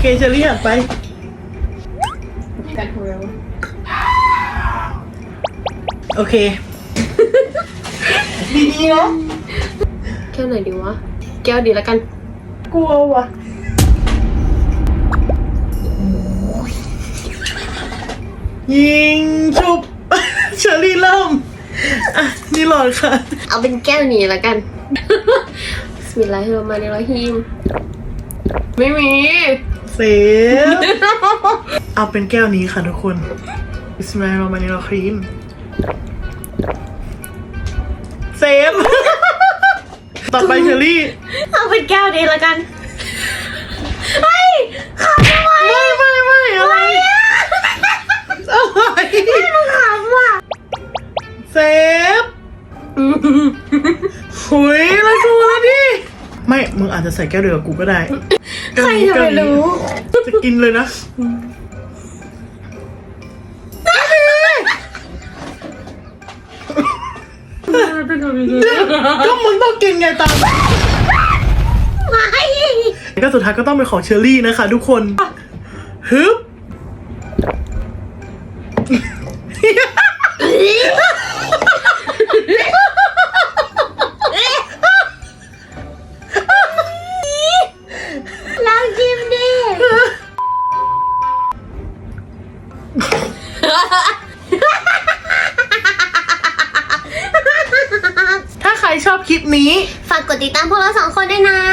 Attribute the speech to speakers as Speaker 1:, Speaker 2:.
Speaker 1: เคเชอรี่หันไป
Speaker 2: กันหัวเรา
Speaker 1: โอเค ดีๆนะ
Speaker 2: แก้วไหนดีวะแก้วดีแล้วกัน
Speaker 1: กลัวว่ะยิงชุบ เชอรี่เริ่มอ่ะนี่หลอดค่ะ
Speaker 2: เอาเป็นแก้วนี้แล้วกันบิสมิลลาฮิรเราะห์มานิรเราะฮีมไม่มี
Speaker 1: เซฟเอาเป็นแก้วนี้ค่ะทุกคนบิสมิลลาฮิรเราะห์มานิรเราะฮีมเซฟ ต่อไปเชอรี่
Speaker 2: เอาเป็นแก้วนี้แล้วกันเฮ้ยขำทำไม
Speaker 1: ไม่อะไรอะไร
Speaker 2: ไม่ต้องขำว่ะ
Speaker 1: เซฟหุยแล้วกูแล้วดิไม่มึงอาจจะใส่แก้วเดียวกับกูก็ได้
Speaker 2: ใครจะไปรู้
Speaker 1: จะกินเลยนะก็มึงต้องกินไงตาม
Speaker 2: ไม่
Speaker 1: ก็สุดท้ายก็ต้องเป็นของเชอรี่นะคะทุกคนฮึบ
Speaker 2: ลองชิมดิ
Speaker 1: ถ้าใครชอบคลิปนี้
Speaker 2: ฝากกดติดตามพวกเรา2 คนด้วยนะ